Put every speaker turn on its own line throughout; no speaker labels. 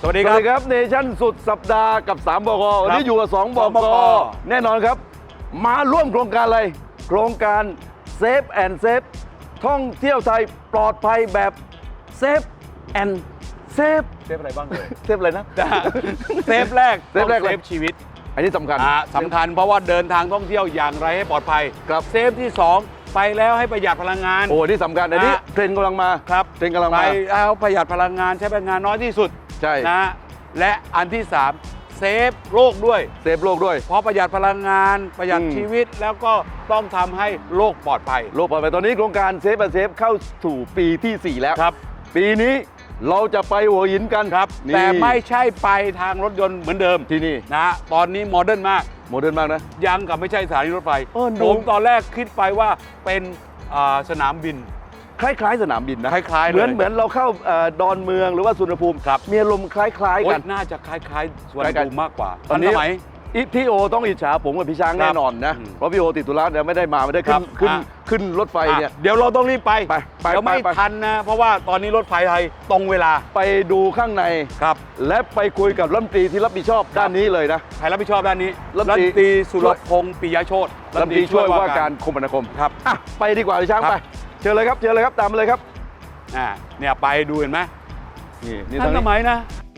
สวัสดีครับเนชั่นสุดสัปดาห์กับ3 บก.วันนี้อยู่กับ2 บก.แน่นอนครับมาร่วมโครงการอะไรโครงการเซฟแอนด์เซฟท่องเที่ยวไทยปลอดภัยแบบเซฟแอนด์เซฟ
อะไรบ้างเลย
เซฟอะไรนะ
เซฟแรก
เซฟ
ชีวิต
อันนี้สำคัญ
เพราะว่าเดินทางท่องเที่ยวอย่างไรให้ปลอดภัย
ครับ
เซฟที่2ไปแล้วให้ประหยัดพลังงาน
โอ้นี่สำคัญอันนี้เทรนด์กำลังมา
ครับ
เทรนด์กำลังมา
ไปแล้วประหยัดพลังงานใช้พลังงานน้อยที่สุด
ใช่
นะและอันที่3เซฟโลกด้วย
เซฟโลกด้วย
เพราะประหยัดพลังงานประหยัดชีวิตแล้วก็ต้องทำให้โลกปลอดภัย
โลกปลอดภัยตอนนี้โครงการเซฟแอนด์เซฟเข้าสู่ปีที่4แล้ว
ครับ
ปีนี้เราจะไปหัวหินกัน
ครับแต่ไม่ใช่ไปทางรถยนต์เหมือนเดิม
ที่นี่
นะตอนนี้โมเดิร์นมาก
นะ
ยังกับไม่ใช่สถานีรถไฟผมตอนแรกคิดไปว่าเป็นสนามบิน
คล้ายๆสนามบินนะ
คล้ายๆ
เหมือนเราเข้าดอนเมืองหรือว่าสุวรรณภูมิมีอารมณ์คล้ายๆกัน
น่าจะคล้ายๆสุวรรณภูมิมากกว่า
ตอนนี้พี่โอต้องอิจฉาผมกับพี่ช้างแน่นอนนะเพราะพี่โอติดธุระเนี่ยไม่ได้ขึ้นรถไฟเนี่ย
เดี๋ยวเราต้องรีบไปเดี๋ยวไม่ทันนะเพราะว่าตอนนี้รถไฟไทยตรงเวลา
ไปดูข้างใน
ครับ
และไปคุยกับรัฐมนตรีที่รับผิดชอบด้านนี้เลยนะ
ใครรับผิดชอบด้านนี้รัฐมนตรีสุรพงษ์ปิยโชติ
รัฐมนตรีช่วยว่าการคมนาคม
ครับ
ไปดีกว่าพี่ช้างไปเชิญเลยครับตามมาเลยครับ
เนี่ยไปดูเห็นไหม
นี่
ทันสมัยนะ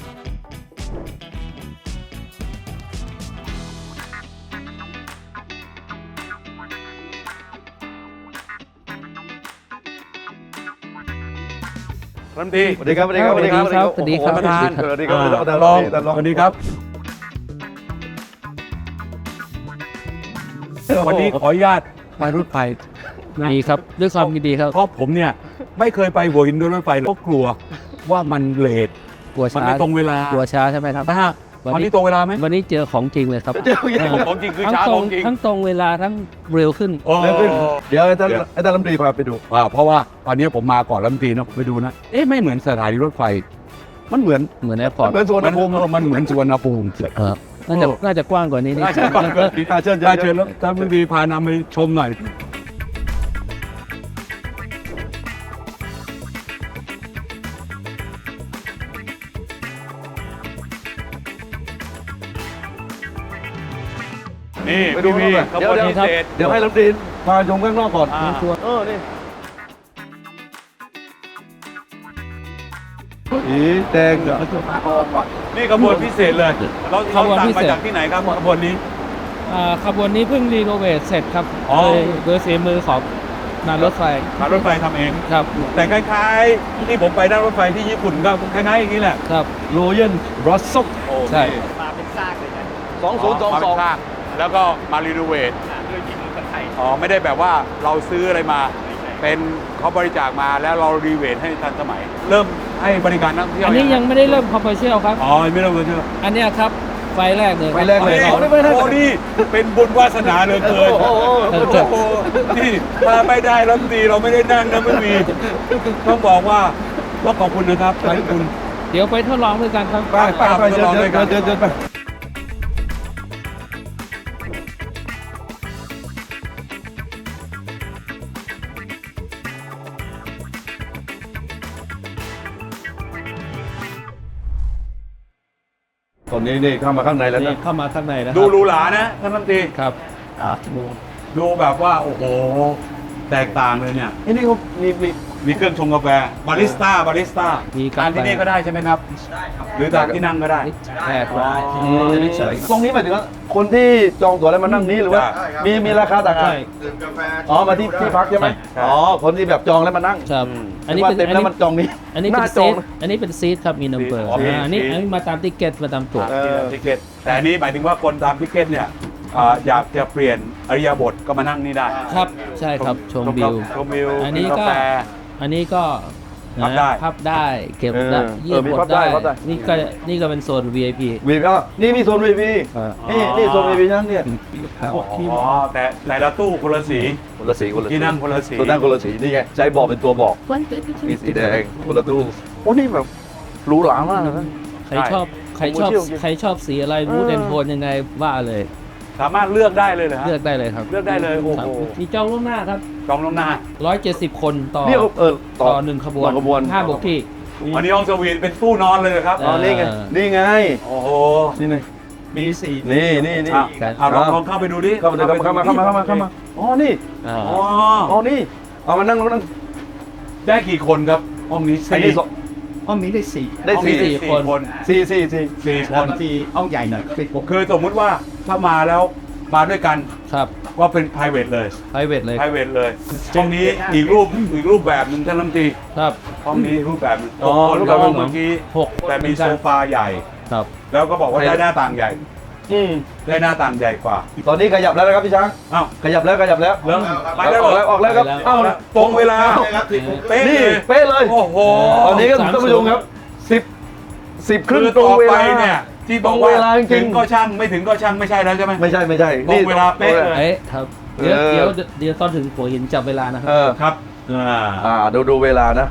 รัฐมนตรี
สวัสดีครับ
สวัสดีครับ
สวัสดีครับ
สวัสดีครับ
สวัสดีครับวันนี้ขออนุญาตไปรถไฟ
ดีครับด้วยความยินดีครับ
เพราะผมเนี่ยไม่เคยไปหัวหินด้วยรถไฟก็กลัวว่ามันเลท
กลัวช้า
ไม่ตรงเวลาก
ลัวช้าใช่ไหมครับ
วันนี้ตรงเวลาไหม
วันนี้เจอของจริงเลยครับ
ของจริงคือช้าของจริง
ทั้งตรงเวลาทั้งเร็วขึ้น
เดี๋ยวท่านรัฐมนตรีพาไปดู
เพราะว่าตอนนี้ผมมาก่อนรัฐมนตรีนะไปดูนะไม่เหมือนสถานีรถไฟ
มันเหมือน
แอร์พอร์ต
เหมือนสวนภูมิ
มันเหมือนสวนภูมิ
น่าจะกว้างกว่านี้นิด
เชิญแล้วท่านรัฐมนตรีพานำไปชมหน่อยนี่
ไปดู
พี่
เดี๋ยวให้รัฐมนตรีพาชมข้างนอกก่อนนี่แดง
นี่ขบวนพิเศษเลยเราสั่งมาจากที่ไหนครับขบวนนี้
ขบวนนี้เพิ่งรีโนเวทเสร็จครับโดยฝีมือของงานรถไฟ
ทำเอง
ครับ
แต่คล้ายๆที่ผมไปนั่งรถไฟที่ญี่ปุ่นก็คล้ายๆอย่างนี้แหละ
ครับ
โรเยนบรัสซัล
ใช่
มาเป็นซากเลยนะ
2022แล้วก็มารีโนเวท
ด้วยฝีมือคนไทย
ไม่ได้แบบว่าเราซื้ออะไรมาเป็นเขาบริจาคมาแล้วเรารีโนเวทให้ทันสมัยเริ่มให้บริการนักท่องเที่ยว
อันนี้ยังไม่ได้เริ่มคอมเมอร์เชียลครับ
ไม่เริ่มคอมเมอร์เชียล
อันนี้ครับไฟแรกเลย
โอ้นี่เป็นบุญวาสนาเหลือเกินนี่ถ้าไม่ได้รัฐมนตรีเราไม่ได้นั่งนะไม่มีต้องบอกว่าขอบคุณนะครับขอบคุณ
เดี๋ยวไปทดลองด้วยกันครับ
ไปเดินไปตอนนี้นี่เข้ามาข้างในแล้วนะ
เข้ามาข้างในแล้ว
ดูหรูหรานะท่านรัฐมนตรี
ครับ
ดูแบบว่าโอ้โหแตกต่างเลยเนี่ย
นี่เขา
มีเครื่องชงกาแฟบาริสต้าทานที่นี่ก็ได้ใช่ไหมครับ
ได้ครับ
หรือทานที่นั่งก็ได้
แค่ร้อย
ตรงนี้หมายถึงว่าคนที่จองตั๋วแล้วมานั่งนี้หรือว่ามีราคาต่างกัน
ดื่มกาแฟ
มาที่พักใช่ไหมคนที่แบบจองแล้วมานั่ง
ครับ
อันนี้เต็มแล้วมันจองนี้
อันนี้เป็นซีทครับมีนัมเบอร์อันนี้มาตามติ๊กเก็ตมาตามตั๋ว
ติ๊กเก็ตแต่อันนี้หมายถึงว่าคนตามติ๊กเก็ตเนี่ยอยากจะเปลี่ยนอริยบทก็มานั่งนี่ได้
ครับใช่ครับชมวิวอันนี้ก็พับได้เก็บได้ยืดหมดได้นี่ก็เป็นโซน VIP
นี่มีโซน VIP นี่โซน VIP นั่งเนี่ย
แต่ละตู้คนละสีที่นั่งคนละสี
นี่ไงใจบอกเป็นตัวบอกมีสีแดงคนละตู้โอ้นี่แบบหรูหรามากนะ
ใครชอบสีอะไรมูดแอนโทนยังไงว่าเลย
สามารถเลือกได้เลยเหรอ
เลือกได้เลยครับ
เลือกได้เลยโอ้โห
มีจองล่วงหน้าครับ
จองล่วงหน้า
170 คนต่อ1ขบวน5 บกที่
อันนี้ห้องสวีทเป็นตู้นอนเลยเหรอครับ
อ๋อนี่ไงนี่ไง
โอ้โห
นี่ไง
มีสี่
นี่
อ่ะลองเข้าไปดูดิ
เข้ามาอ๋อนี่
อ่า
อ๋อ
อ๋อนี่เอามานั่ง
ได้กี่คนครับห้องนี้
อันนี้
ห้องนี้ได้สี่
ได้
ห้องนี้
สี่คน
คน
สี่
สี่ค
คน นที่ห้องใหญ่หน่อยคือ
คือสมมุติว่าถ้ามาแล้วมาด้วยกัน
ครับ
ว่าเป็น private เลย
private เลย
private เลยห้องนี้อีกรูปแบบหนึ่งท่านรัฐมนตรี
ครับ
ห้องนี้รูปแบบหนึ่ง
อ๋อ
คน
รูป
กั
แบบ บ
ห้องเมื่อกี้
หก
แต่มีโซฟาใหญ่
ครับ
แล้วก็บอกว่าได้หน้าต่างใหญ่ ได้หน้าต่างใหญ่กว่า
ตอนนี้ขยับแล้วนะครับพี่ช้าง
อ้าว
ขยับแล้ว
แล้ว
ออกแล้วครับ
เอ้าตรงเวลาเป๊ะ
นี่
เลย
เป๊ะเลย
โอ้โห
ตอนนี้ก็ท่านผู้ชมครับ10ครึ่ง
คือ
ตรง
ต่อ
เว
ไป
ลา
เนี่ยที่บอก
ตรง
ว่า
เวลาจริง
ถึงก็ช่างไม่ถึงก็ช่างไม่ใช่แล้วใช่ไหม
ไม่ใช่
ตรงเวลาเป๊ะเลย
เอ๊ะครับ เดี๋ยวตอนถึงหัวหินจับเวลานะครั
ครับ
ดูเวลานะ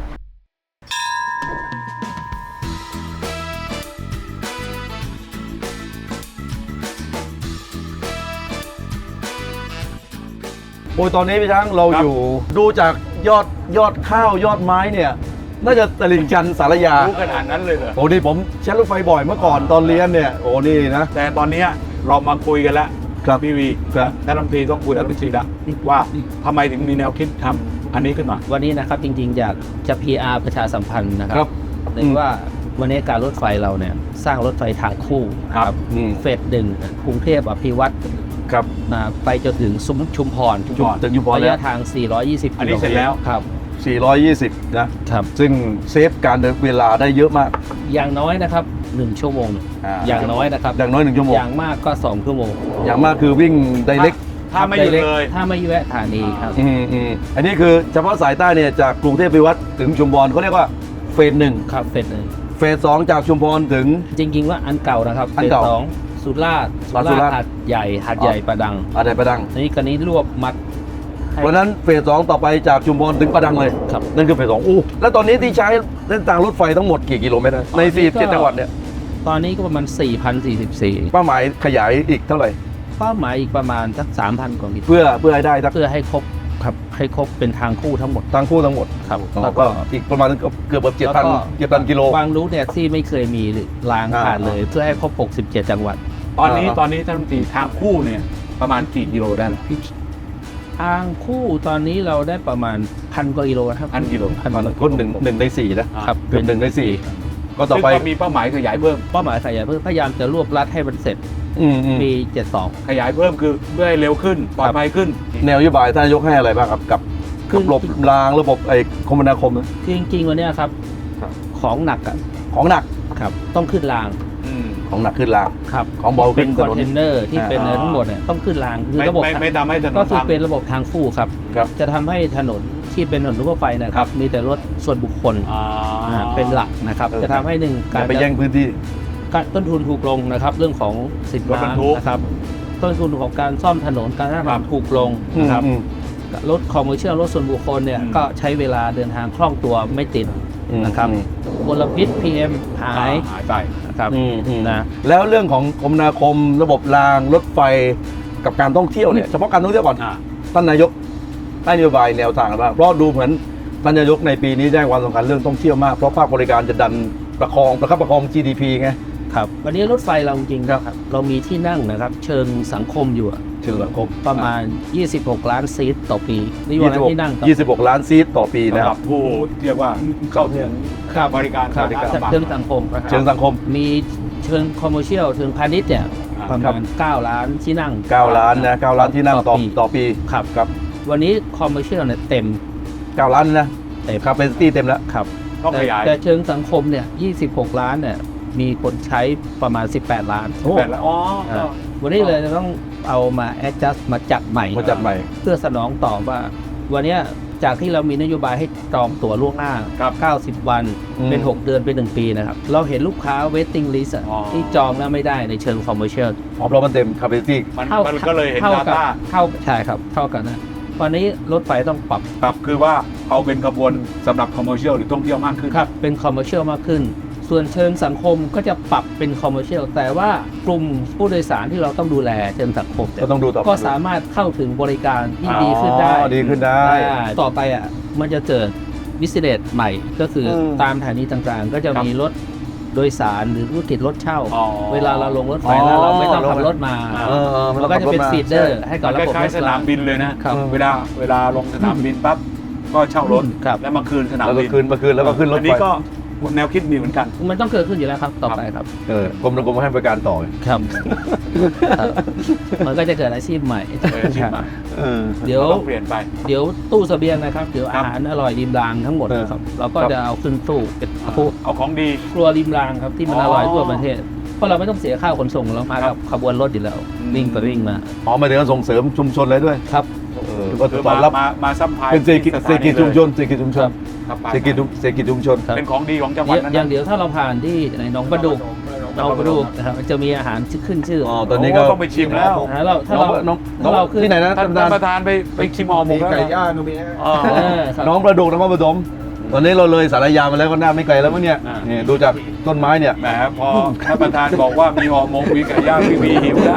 โอ้ยตอนนี้พี่ช้างเรา
ครับ
อยู่ดูจากยอดข้าวยอดไม้เนี่ย น่าจะตลิ่งชันสารยา
รู้ขนาดนั้นเลยเหรอ
โอ้นี่ผมใช้รถไฟบ่อยเมื่อก่อนตอนเรียนเนี่ย โอ้นี่นะ
แต่ตอนเนี้ยเรามาคุยกันแล้ว
ครับ
พี่วี
ครับ
ท่านรัฐมนตรีต้องคุยกับรัฐมนตรีละว่าทำไมถึงมีแนวคิดทำอันนี้ขึ้นมา
วันนี้นะครับจริงๆอยากจะ PR ประชาสัมพันธ์นะค
ครั
รับ ในว่าวันนี้การรถไฟเราเนี่ยสร้างรถไฟทางคู่
ครับ
เฟสหนึ่งกรุงเทพอภิวัตร
ครับ
ไปจนถึงซุ้มชุมพร
ถึงชุมพร
ระ
แล้ว
ยะทาง 420
อันนี้เสร็จแล้ว
ครับ
420 นะ
ครับ
ซึ่งเซฟการเดินเวลาได้เยอะมาก
อย่างน้อยนะครับ1ชั่วโมง อย่างน้อยนะครับ
อย่างน้อย1ชั่วโมง
อย่างมากก็2ชั่วโมง
อย่างมากคือวิ่งไดเรก
ถ้าไม่หยุดเลย
ถ้าไม่แวะสถานีครับ
อันนี้คือเฉพาะสายใต้เนี่ยจากกรุงเทพไปวัดถึงชุมพรเขาเรียกว่าเฟสหนึ่ง
ครับเฟสหนึ่ง
เฟสสองจากชุมพรถึง
จริงๆว่าอันเก่านะครับ
อันเก่า
ฟสองสุราษฎร์
สุราษฎร์
หาดใหญ่หาดใหญ่ประดัง
อะไรประดัง
อันนี้กันนี้รวบมัดให้
เพราะฉะนั้นเฟสสองต่อไปจากชุมพรถึงประดังเลย
ครับ
นั่นคือเฟสสองอู้แล้วตอนนี้ที่ใช้เส้นทางรถไฟทั้งหมดกี่กิโลเมตรนะใน47จังหวัดเนี่ย
ตอนนี้ก็ประมาณ 4,044
เป้าหมายขยายอีกเท่าไหร่
เป้าหมายอีกประมาณสัก 3,000 กว่ามิตร
เพื่อให้ได้ทั้ง
เพื่อให้ครบครับให้ครบเป็นทางคู่ทั้งหมด
ทั้งคู่ทั้งหมด
ครับ
แล้วก็อีกประมาณเกือบ
แล้วก็
7,000กิโล
บางรูทเนี่ยที่ไม่เคยมีรางผ่านเลย เพื่อให้ครบ 67 จังหวัด
ตอนนี้ท่านรัฐมนตรีทางคู่เนี่ยประมาณกี่กิโลได้นะ
ทางคู่ตอนนี้เราได้ประมาณ 1,000 กว่ากิโลนะครับ
1,000 กิโล
คนหนึ่งในสี่นะครับ เกือบ1 ใน 4ก็ต่อไป
ซึ่งก็มีเป้าหมายขยายเพิ่ม
เป้าหมายขยายเพิ่มพยายามจะรวบรัดให้มันเสร็จ
อืม
ปี 72
ขยายเพิ่มคือเพื่อให้เร็วขึ้นปลอดภัยขึ้น
แนวนโยบายท่านนายกให้อะไรบ้างครับกับระบบรางระบบคมนาคมนะ
คือจริงๆวันเนี้ยครับ
ครับ
ของหนักอ่ะ
ของหนัก
ครับต้องขึ้นราง
ของหนักขึ้นราง
ครับ
ของเบาขึ้
เป็น
น
คอนเทนเนอร์ที่เป็น
อ่า
ทั้งหมดเนี่ยต้องขึ้นรางคือ
ไม่
ระบบ
ไม่ทำให้ถน
ก็
น
คือ
พัง
เป็นระบบทางคู่ครับ
ครับ
จะทำให้ถนนที่เป็นถนนทั่วไปนะค
ครั
รับบ มีแต่รถส่วนบุคคลเป็นหลักนะครับ จะทำให้หนึ่ง
อย่าไปแย่งพื้นที่
การต้นทุนถูกลงนะครับ เรื่องของสิน
รถบรรทุก
ค้านะครับต้นทุนของการซ่อมถนนการสร้างถนนถูกลงนะครับ
อืม
รถคอมเมอร์เชียลรถส่วนบุคคลเนี่ย
อืม
ก็ใช้เวลาเดินทางคล่องตัวไม่ติด
อืม
นะครับ
อืม
มลพิษ PM หาย
หายไป
นะครับ
นะ
นะ
แล้วเรื่องของคมนาคมระบบรางรถไฟกับการท่องเที่ยวเนี่ยเฉพาะการท่องเที่ยวก่อนท่านนายกให้นโยบายแนวทางอะไรบ้างเพราะดูเหมือนท่านนายกในปีนี้ได้ความสำคัญเรื่องท่องเที่ยวมากเพราะภาคบริการจะดันประคับประคอง GDP ไง
ครับวันนี้รถไฟเราจริงๆครับเรามีที่นั่งนะครับ เชิงสังคมอยู่อะ
เชิงสังคม
ประมาณ 26 ล้านซีทต่อปีนี่วันที่นั่งต่อ
26 ล้านซีทต่อปีนะ
สำห
ค
รั
รั
บบ ผู้เรียกว่าเข้าถึง
ครับ
บริการ
ครับ
บริการ
เชิงสังคมนะครับ
เชิงสังคม
มีเชิงคอมเมอร์เชียลเชิงพาณิชย์เนี่ยประ
ครั
มา
บ
ณ 9 ล้านที่นั่ง
9 ล้านนะ9ล้านที่นั่งต่อปี
ครับ
ครับ
วันนี้คอมเมอร์เชียลเนี่ยเต็ม
9 ล้านนะ
เต็ม
ครับเป็นซิตี้เต็มแล้ว
ครับ
ต้องขยาย
แต่เชิงสังคมเนี่ย 26 ล้านเนี่ยมีคนใช้ประมาณ 18 ล้าน
แบบแล้วอ๋อ
วันนี้เลยจะต้องเอามา adjust มาจัดใหม่
มาจัดใหม่
เพื่อสนองตอบว่า วันเนี้ยจากที่เรามีนโยบายให้จองตั๋วล่วงหน้า
ครับ
90 วัน
อืม
เป็น 6 เดือนเป็น 1 ปีนะครับ เราเห็นลูกค้า waiting list อะ
อ๋อ
ที่จองแล้วไม่ได้ในเชิง commercial
เพราะมันเต็ม capacity
มันก็เลยเห็น
เท่ากับ
data
เท่าใช่ครับ เท่ากันนะวันนี้รถไฟต้องปรับ
ครับคือว่าเอาเป็นขบวนสำหรับคอมเมอร์เชียลหรือท่องเที่ยวมากขึ้น
ครับเป็น commercial มากขึ้น ส่วนเชิงสังคมก็จะปรับเป็น commercial แต่ว่ากลุ่มผู้โดยสารที่เราต้องดูแลเชิงสังคมเนี่ย
ก็ต้องดูต่อไป
ก็สามารถเข้าถึงบริการที่ดีขึ้นได้
อ๋อดีขึ้นได้
ต่อไปอ่ะมันจะเกิดวิสิเลตใหม่ก็คืออ
ม
ตามสถานีต่างๆ ก็จะมีรถโดยสารหรือธุรกิจรถเช่า
อ๋อ
เวลาเราลงรถไฟแล้วเราไม่ต้องขับรถมา
มัน
เราก็จะเป็นฟีดเดอร์ให้กับ
มัน
ระบบ
คล้ายๆสนามบินเลยนะ
ครับ
เวลาลงสนามบินปั๊บก็เช่ารถ
ครับ
แล้วมาคืนสนาม
แล้วก็
บิน
คืนแล้วก็ขึ้นรถ
อัน
ไฟ
นี้ก็แนวคิดมีเหมือนกัน
มันต้องเกิดขึ้นอยู่แล้วครับต่อไปครับ
กรมให้บริการต่อ
ครับ มันก็จะเกิดอาชีพใหม่
อาชีพใหม่
เดี๋ยว
ต้องเปลี่ยนไป
เดี๋ยวตู้เสบียงนะครับเดี๋ยว
ครั
อา
บ
หารอร่อยริมรางทั้งหมดนะครับเราก็จะเอาขึ้นตู้เป็นพวก
เอาของดี
ครัวริมรางครับที่มัน
อ๋อ
อร่อยทั่วประเทศเพราะเราไม่ต้องเสียค่าขนส่งเรามา
ครั
กับบ ขบวนรถอยู่แล้ว
อืม
วิ่งไปวิ่งมา
อ๋อมาถึงการส่งเสริมชุมชนเลยด้วย
ครับ
ก็
คือ
ตอบรับ
มาซัพพลาย
เป็นเศรษฐกิจชุมชนเศรษฐกิจชุมชน
ครับ
เศรษฐกิจชุมชน
ครับ
เป็นของดีของจังหวัดนั้น
อย่างเดี๋ยวถ้าเราผ่านที่ในหนองประดุกนะครับจะมีอาหารขึ้นชื่อ
อ๋อตอนนี้ก็
ต้องไปชิมแล้ว
ถ้าเราขึ้น
ที่ไหนนะ
ท่านประธานไปชิมห่อหมกแล้ว
ไก่ย่างก็มี
อ๋อ
ครับ
น้องประดุกนครปฐมตอนนี้เราเลยสารยามาแล้วก็น่าไม่ไกลแล้วมั้งเนี่ย
อ่า
นี่ดูจากต้นไม้เนี่ย
แหมพอท่านประธานบอกว่ามีห่อหมกมีไก่ย่างมีหิวแล้ว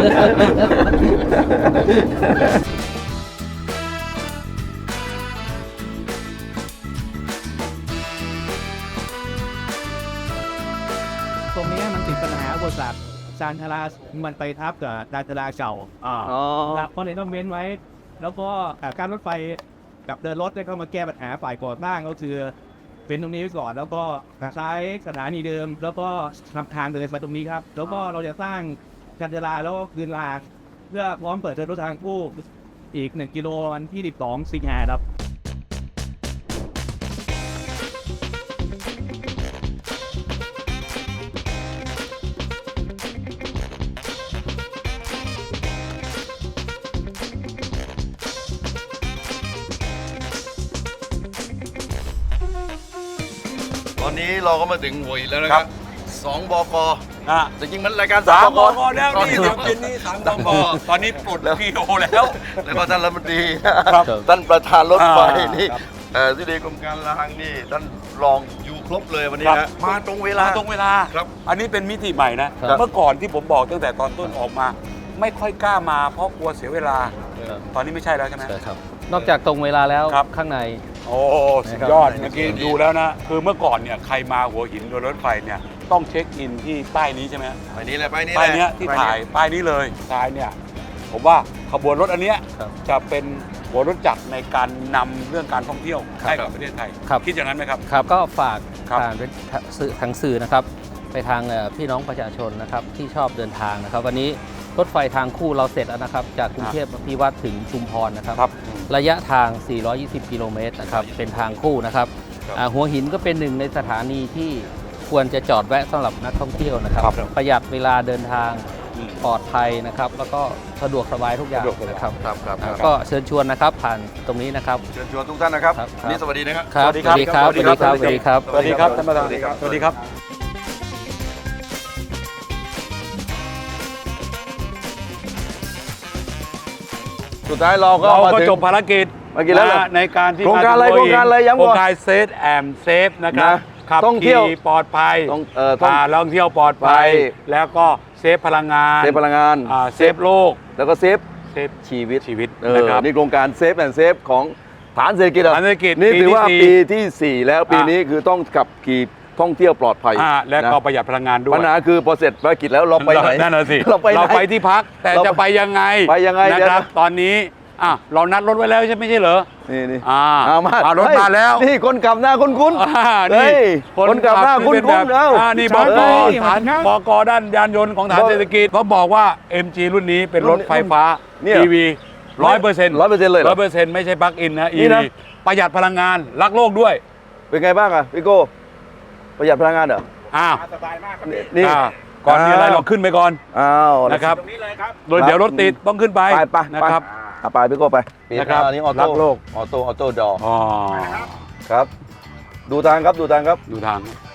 ตรงนี้มันติดปัญหาอุปสรรคจานทรามันไปทับกับจานทราเก่าครับก็เลยต้องเว้นไว้ แล้วก็การรถไฟกับเดินรถได้เข้ามาแก้ปัญหาฝ่ายก่อสร้างก็คือเป็นตรงนี้ไว้ก่อน แล้วก็ใช้สถานีเดิม แล้วก็ทำทางเดินไปตรงนี้ครับ แล้วก็เราจะสร้างจานทราแล้วก็คืนรางเพื่อพร้อมเปิดเดินรถทางคู่อีก1 กิโลวันที่12 สิงหาครับ
ตอนนี้เราก็มาถึงหัวหินแล้วนะครับ2 บก
อ่ะ
แต่จริงมันรายการ
สาม
3
บกแล้วนี่เดี๋ยวเย็นนี้สามบกตอนนี้ปลดพีโอแล้ว
แล้วก็ท่านรัฐมนตรี
ครับ
ท่านประธานรถไฟ
อ่า
นี่
ครับ
ที่ดีกรมการรางนี่ท่านรองอยู่ครบเลยวันนี้
ครั
นะ
บ
มาตรงเวลา
ตรงเวลา
ครับ
อันนี้เป็นมิติใหม่นะ
ครับ
เมื่อก่อนที่ผมบอกตั้งแต่ตอนต้นออกมา ไม่ค่อยกล้ามาเพราะกลัวเสียเวลา ตอนนี้ไม่ใช่แล้วใช่ไหม
ใช่ครับนอกจากตรงเวลาแล้ว
ครับ
ข้างใน
โอ้สุดยอดเมื่อกี้ดูแล้วนะ คือเมื่อก่อนเนี่ยใครมาหัวหินโดยรถไฟเนี่ยต้องเช็คอินที่ป้ายนี้ใช่ไหม
ไปนี้แหละไปนี้
ป้ายเนี้ยที่ถ่ายป้ายนี้เลยซ้ายเนี่ยผมว่าขบวนรถอันเนี้ย
ครับ
จะเป็นหัวรถจักรในการนำเรื่องการท่องเที่ยวให้กับประเทศไทย
ครับ
คิดอย่างนั้นไหมครับ
ครับก็ฝาก
ครับ
ผ่านเป็นทางสื่อนะครับ ไปทางพี่น้องประชาชนนะครับที่ชอบเดินทางนะครับ วันนี้รถไฟทางคู่เราเสร็จแล้วนะครับ จากกรุงเทพพิวัตรถึงชุมพรนะครับ
ครับ
ระยะทาง 420 กิโลเมตรนะครับ เป็นทางคู่นะครับ
ครับ
หัวหินก็เป็นหนึ่งในสถานีที่ควรจะจอดแวะสำหรับนักท่องเที่ยวนะครับ
ครับ
ประหยัดเวลาเดินทาง
อืม
ปลอดภัยนะครับ แล้วก็สะดวกสบายทุกอย่าง
สะดวกสบาย
นะครับ
ครับครับครับ
ก็เชิญชวนนะครับผ่านตรงนี้นะครับ
เชิญชวนทุกท่านนะครับ
ครับ
วันนี้สวัสดีนะครับ
ครับ
สวัสดีครับ
สวัสดีครับสวัสดีครับ
สวัสดีครับท่านประธานสวัสดีครับ
สุดท้ายเราก็
เรา
มา
ก็
ถึง
จบภารกิจ
ภารกิจแล้วเหรอ
ในการที่
โครงการอะไร
มถึ
โครงการอะไรย้ำก่อน
โครงการเซฟแอมเซฟนะครับ
นะ
ขับ
ท่องเที่ยว
ขี่ปลอดภัย
ท่อง
ท่องเที่ยวปลอดภัย
ไป
แล้วก็เซฟพลังงาน
เซฟพลังงาน
เซฟโลก
แล้วก็เซฟ
เซฟ
ชีวิต
ชีวิต
นะครับ นี่โครงการเซฟแอนด์เซฟของฐานเศรษฐกิจอะ
ฐานเศรษฐกิจ
นี่ถือว่า
ปี
ปี
ที่
ที่ 4 แล้วปีนี้คือต้องขับขี่ท่องเที่ยวปลอดภัย
และก็
นะ
ประหยัดพลังงานด้วย
ปัญหาคือพอเสร็จภารกิจแล้วเราไปไหน
นั่นน่ะสิ
เราไปไหน
เราไปที่พักแต่
เรา
จะไปยังไง
ไปยังไง
นะครับ
เดี๋ยวนะ
ตอนนี้เรานัดรถไว้แล้วใช่ไม่ใช่เหรอ
นี่
เอามารถ
เฮ้ย
มาแล้ว
นี่คนขับหน้าคุ้นๆ
นี่
เฮ้ยคนขับหน้าคุ้น
ที่เป็
ๆเอ้า
นี่บก
เฮ้ย
ฐานบกด้านยานยนต์ของฐานเศรษฐกิจเขาบอกว่า MG รุ่นนี้เป็นรถไฟฟ้า
เนี่ย
EV 100%
100%เลยเหรอ
100%ไม่ใช่ปลั๊กอินนะ
นี่
EV
นะ
ประหยัดพลังงานรักโลกด้วย
เป็นไงบ้างอะพี่โก้ประหยัดพลังงานเหรอ
สบายมากครับ
นี่
ก่อนมีอะไรเราขึ้นไปก่อน
อ้าว
นะครับ
ตรงนี้เลยครับ
โดยเดี๋ยวรถติดต้องขึ้นไป
ไป
นะครับ
ไปพี่โก้ไป
นะครับ
อันนี้ออ
รั
โต้
กโลก
ออโต้ดอ
อ๋อ
ครับ ดูทางครับ
ดูทาง